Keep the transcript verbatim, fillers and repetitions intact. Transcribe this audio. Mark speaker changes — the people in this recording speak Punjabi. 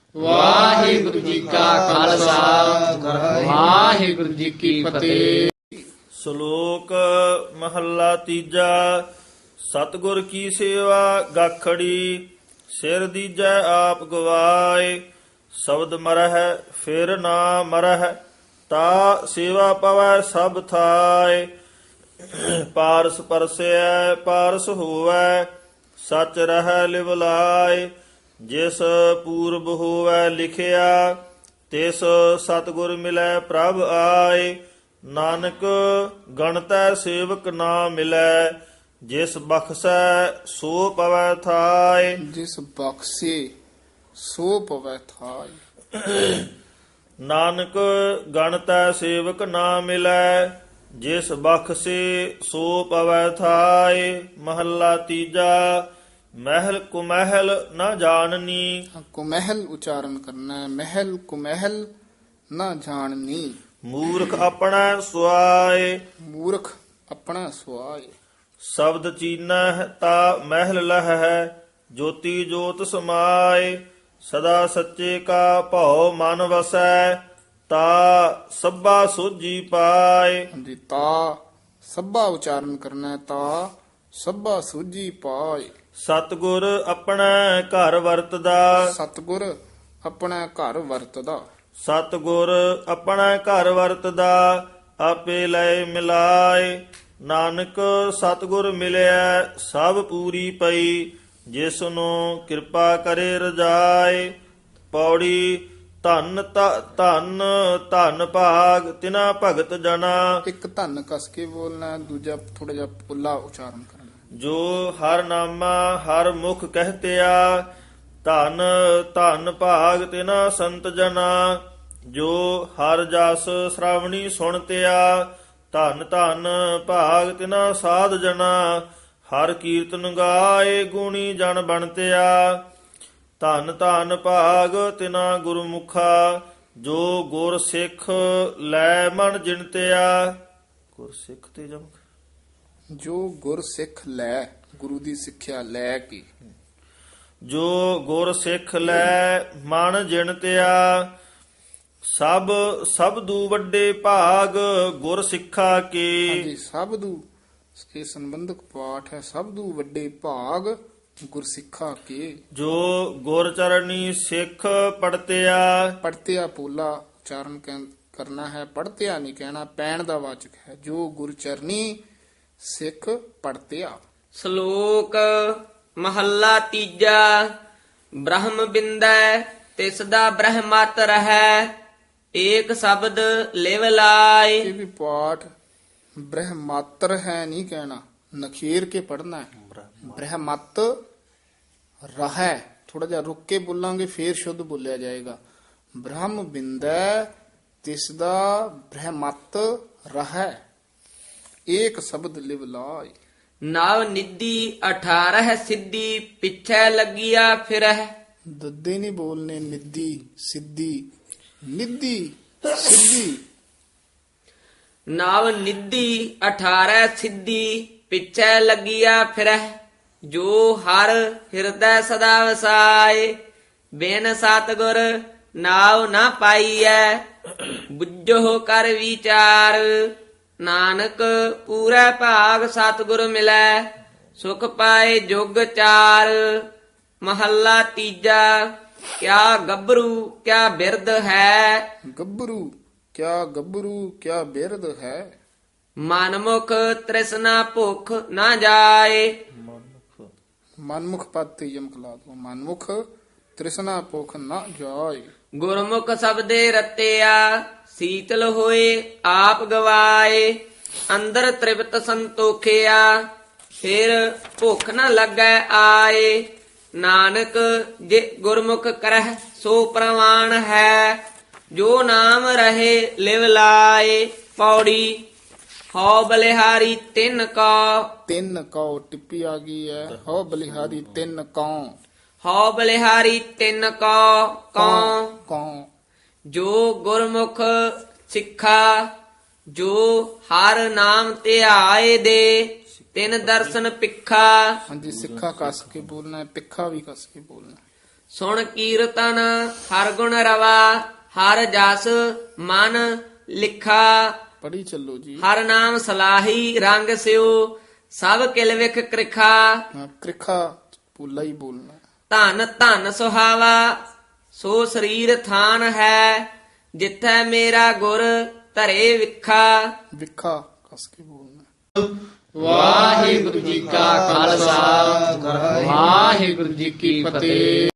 Speaker 1: ਵਾਹਿਗੁਰੂ ਜੀ ਕਾ ਖਾਲਸਾ ਵਾਹਿਗੁਰੂ ਜੀ ਕੀ ਫਤਿਹ।
Speaker 2: ਸ਼ਲੋਕ ਮਹੱਲਾ ਤੀਜਾ। ਸਤਿਗੁਰ ਕੀ ਸੇਵਾ ਗਾਖੜੀ, ਸਿਰ ਦੀਜੈ ਆਪ ਗਵਾਏ। ਸ਼ਬਦ ਮਰਹਿ ਫਿਰ ਨਾ ਮਰਹਿ, ਤਾ ਸੇਵਾ ਪਵੈ ਸਭ ਥਾਏ। ਪਾਰਸ ਪਰਸੈ ਪਾਰਸ ਹੋਵੈ, ਸਚ ਰਹਿ ਲਿਵ ਲਾਏ। ਜਿਸ ਪੂਰਬ ਹੋਵੈ ਲਿਖਿਆ, ਤਿਸ ਸਤਿਗੁਰ ਮਿਲੈ ਪ੍ਰਭ ਆਏ। ਨਾਨਕ ਗਣਤੈ ਸੇਵਕ ਨਾ ਮਿਲੈ, ਜਿਸ ਬਖਸ਼ੈ ਸੋ ਪਵੈ ਥਾਏ।
Speaker 1: ਜਿਸ ਬਖਸ਼ੇ ਸੋ ਪਵੈ ਥਾਈ।
Speaker 2: ਨਾਨਕ ਗਣਤੈ ਸੇਵਕ ਨਾ ਮਿਲੈ, ਜਿਸ ਬਖਸ਼ੇ ਸੋ ਪਵੈ ਥਾਏ। ਮਹੱਲਾ ਤੀਜਾ। ਮਹਿਲ ਕੁਮਹਿਲ ਨਾ ਜਾਣਨੀ,
Speaker 1: ਕੁਮਹਿਲ ਉਚਾਰਨ ਕਰਨਾ ਹੈ। ਮਹਿਲ ਕੁਮਹਿਲ ਨਾ ਜਾਣਨੀ।
Speaker 2: ਮੂਰਖ ਆਪਣਾ ਸੁਆਏ।
Speaker 1: ਮੂਰਖ ਆਪਣਾ ਸੁਆਏ।
Speaker 2: ਸ਼ਬਦ ਚੀਨਹਿ ਤਾ ਮਹਿਲ ਲਹੈ, ਜੋਤੀ ਜੋਤ ਸਮਾਏ। ਸਦਾ ਸੱਚੇ ਕਾ ਭਉ ਮਨ ਵਸੈ, ਤਾ ਸਭਾ ਸੋਝੀ ਪਾਏ।
Speaker 1: ਹਾਂਜੀ, ਤਾ ਸਭਾ ਉਚਾਰਨ ਕਰਨਾ ਹੈ। ਤਾ ਸਭਾ ਸੂਝੀ ਪਾਏ।
Speaker 2: ਸਤਿਗੁਰ ਆਪਣਾ ਘਰ ਵਰਤਦਾ,
Speaker 1: ਸਤਿਗੁਰ ਆਪਣਾ ਘਰ ਵਰਤਦਾ।
Speaker 2: ਸਤਿਗੁਰ ਆਪਣਾ ਘਰ ਵਰਤਦਾ, ਆਪੇ ਲੈ ਮਿਲਾਏ। ਨਾਨਕ ਸਤਿਗੁਰ ਮਿਲਿਆ ਸਭ ਪੂਰੀ ਪਈ, ਜਿਸ ਨੂੰ ਕਿਰਪਾ ਕਰੇ ਰਜਾਏ। ਪੌੜੀ। ਧਨ ਧਨ ਧਨ ਭਾਗ ਤਿਨਾ ਭਗਤ ਜਨਾ।
Speaker 1: ਇੱਕ ਧੰਨ ਕਸ ਕੇ ਬੋਲਣਾ, ਦੂਜਾ ਥੋੜਾ ਜਿਹਾ ਪੁੱਲਾ ਉਚਾਰਨ ਕਰਨਾ।
Speaker 2: ਜੋ ਹਰ ਨਾਮਾ ਹਰ ਮੁਖ ਕਹਤਿਆ, ਧਨ ਧਨ ਭਾਗ ਤਿਨਾ ਸੰਤ ਜਨਾ। ਜੋ ਹਰ ਜਸ ਸ਼੍ਰਾਵਣੀ ਸੁਣਤਿਆ, ਧਨ ਧਨ ਭਾਗ ਤਿਨਾ ਸਾਧ ਜਨਾ। ਹਰ ਕੀਰਤਨ ਗਾਏ ਗੁਣੀ ਜਨ ਬਣਤਿਆ, ਧਨ ਧਨ ਭਾਗ ਤਿਨਾ ਗੁਰਮੁਖਾ। ਜੋ ਗੁਰ ਸਿੱਖ ਲੈ ਮਨ ਜਿਣਤਿਆ। ਗੁਰ ਸਿੱਖ ਤੇ ਜਮਕ।
Speaker 1: ਜੋ ਗੁਰ ਸਿੱਖ ਲੈ, ਗੁਰੂ ਦੀ ਸਿੱਖਿਆ ਲੈ ਕੇ।
Speaker 2: ਜੋ ਗੁਰ ਸਿੱਖ ਲੈ ਮਨ ਜਿਣਤਿਆ, ਸਭ ਸਬਦੂ ਵੱਡੇ ਭਾਗ ਗੁਰ ਸਿੱਖਾ ਕੇ।
Speaker 1: ਹਾਂਜੀ, ਸਬਦੂ ਇਹ ਸੰਬੰਧਕ ਪਾਠ ਹੈ। ਸਬਦੂ ਵੱਡੇ ਭਾਗ ਗੁਰ ਸਿੱਖਾ ਕੇ।
Speaker 2: ਜੋ ਗੁਰ ਚਰਣੀ ਸਿੱਖ ਪੜਤਿਆ।
Speaker 1: ਪੜਤਿਆ ਪੋਲਾ ਉਚਾਰਨ ਕਹਿ- ਕਰਨਾ ਹੈ। ਪੜਤਿਆ ਨਹੀਂ ਕਹਿਣਾ, ਪੈਣ ਦਾ ਵਾਚਕ ਹੈ। ਜੋ ਗੁਰ ਚਰਣੀ ਸਿੱਖ ਪੜਤਿਆ।
Speaker 3: ਸ਼ਲੋਕ ਮਹੱਲਾ ਤੀਜਾ। ਬ੍ਰਹਮ ਬਿੰਦੈ ਤਿਸ ਦਾ ਬ੍ਰਹਮਤ ਰਹੈ, ਏਕ ਸ਼ਬਦ ਲਿਵ ਲਾਏ।
Speaker 1: ਇਹ ਵੀ ਪਾਠ ਬ੍ਰਹਮਾਤਰ ਹੈ ਨਹੀਂ ਕਹਿਣਾ, ਨਖੇਰ ਕੇ ਪੜਨਾ ਹੈ। ਬ੍ਰਹਮਤ ਰਹੈ, ਥੋੜਾ ਜਿਹਾ ਰੁੱਕ ਕੇ ਬੋਲਾਂਗੇ ਫੇਰ ਸ਼ੁੱਧ ਬੋਲਿਆ ਜਾਏਗਾ। ਬ੍ਰਹਮ ਬਿੰਦੈ ਤਿਸ ਦਾ ਬ੍ਰਹਮਤ ਰਹੈ, ਏਕ ਸ਼ਬਦ ਲਿਵ ਲਾਏ।
Speaker 3: ਨਵ ਨਿਧੀ ਅਠਾਰਹ ਸਿੱਧੀ, ਪਿੱਛੇ ਲੱਗਿਆ ਫਿਰਹਿ।
Speaker 1: ਦੱਦੇ ਨਹੀਂ ਬੋਲਨੇ, ਨਿੱਦੀ ਸਿੱਧੀ, ਨਿੱਦੀ ਸਿੱਧੀ।
Speaker 3: ਨਵ ਨਿਧੀ ਅਠਾਰਹ ਸਿੱਧੀ, ਪਿੱਛੇ ਲੱਗਿਆ ਫਿਰਹਿ। ਜੋ ਹਰ ਹਿਰਦੈ ਸਦਾ ਵਸਾਏ, ਬਿਨ ਸਤਿਗੁਰ ਨਾਉ ਨਾ ਪਾਈਐ। ਬੁੱਝੋ ਕਰ ਵਿਚਾਰ, ਨਾਨਕ ਪੂਰਾ ਭਾਗ ਸਤਿਗੁਰ ਮਿਲੈ। ਸੁਖ ਪਾਏ ਜੁਗ ਚਾਰ। ਮਹੱਲਾ ਤੀਜਾ। ਕਿਆ ਗੱਭਰੂ ਕਿਆ ਬਿਰਧ ਹੈ,
Speaker 1: ਗੱਭਰੂ ਕਿਆ ਗੱਭਰੂ ਕਿਆ ਬਿਰਧ ਹੈ।
Speaker 3: ਮਨਮੁਖ ਤ੍ਰਿਸ਼ਨਾ ਭੁਖ ਨਾ ਜਾਏ।
Speaker 1: ਮਨਮੁਖ ਪਦ ਤੇ ਯਮਕ ਲਾ ਦੋ। ਮਨਮੁਖ ਤ੍ਰਿਸ਼ਨਾ ਭੁਖ ਨਾ ਜਾਏ।
Speaker 3: ਗੁਰਮੁਖ ਸਬਦੇ ਰਤਿਆ, ਸੀਤਲ ਹੋਏ ਆਪ ਗਵਾਏ। ਅੰਦਰ ਤ੍ਰਿਪਤ ਸੰਤੋਖਿਆ, ਫਿਰ ਭੁੱਖ ਨਾ ਲੱਗੈ ਆਏ। ਨਾਨਕ ਜੇ ਗੁਰਮੁਖ ਕਰਹਿ ਸੋ ਪ੍ਰਵਾਨ ਹੈ, ਜੋ ਨਾਮ ਰਹੇ ਲਿਵ ਲਾਏ। ਪੌੜੀ। ਹਉ ਬਲਿਹਾਰੀ ਤਿੰਨ ਕਾ।
Speaker 1: ਤਿੰਨ ਕਉ ਟਿੱਪੀ ਆ ਗਈ ਹੈ। ਹੋ ਬਲਿਹਾਰੀ ਤਿੰਨ ਕਉ।
Speaker 3: ਹਉ ਬਲਿਹਾਰੀ ਤਿੰਨ ਕਾ ਕਉ।
Speaker 1: ਕਉ
Speaker 3: ਜੋ ਗੁਰਮੁਖ ਸਿੱਖਾ, ਜੋ ਹਰ ਨਾਮ ਧਿਆਏ ਦੇ। ਤਿਨ ਦਰਸ਼ਨ ਪਿੱਖਾ।
Speaker 1: ਹਾਂਜੀ, ਸਿੱਖਾ ਕਸ ਕੇ ਬੋਲਣਾ ਹੈ, ਪਿੱਖਾ ਵੀ ਕਸ ਕੇ ਬੋਲਣਾ ਹੈ।
Speaker 3: ਸੁਣ ਕੀਰਤਨ ਹਰ ਗੁਣ ਰਵਾ ਹਰ ਜਸ ਮਨ ਲਿਖਾ
Speaker 1: ਪੜੀ ਚੱਲੋ ਜੀ।
Speaker 3: ਹਰ ਨਾਮ ਸਲਾਹੀ ਰੰਗ ਸਿਉ ਸਭ ਕਿਲ ਵਿਖ ਕ੍ਰਿਖਾ
Speaker 1: ਹਾਂ, ਕ੍ਰਿਖਾ ਪੂਲਾ ਹੀ ਬੋਲਣਾ।
Speaker 3: ਧਨ ਧਨ ਸੁਹਾਵਾ ਸੋ ਸਰੀਰ ਥਾਨ ਹੈ ਜਿੱਥੈ ਮੇਰਾ ਗੁਰ ਧਰੇ ਵਿਖਾ
Speaker 1: ਵਿਖਾ ਕਸ ਕੇ ਬੋਲਣਾ।
Speaker 4: ਵਾਹਿਗੁਰੂ ਜੀ ਕਾ ਖਾਲਸਾ ਵਾਹਿਗੁਰੂ ਜੀ ਕੀ ਫਤਿਹ।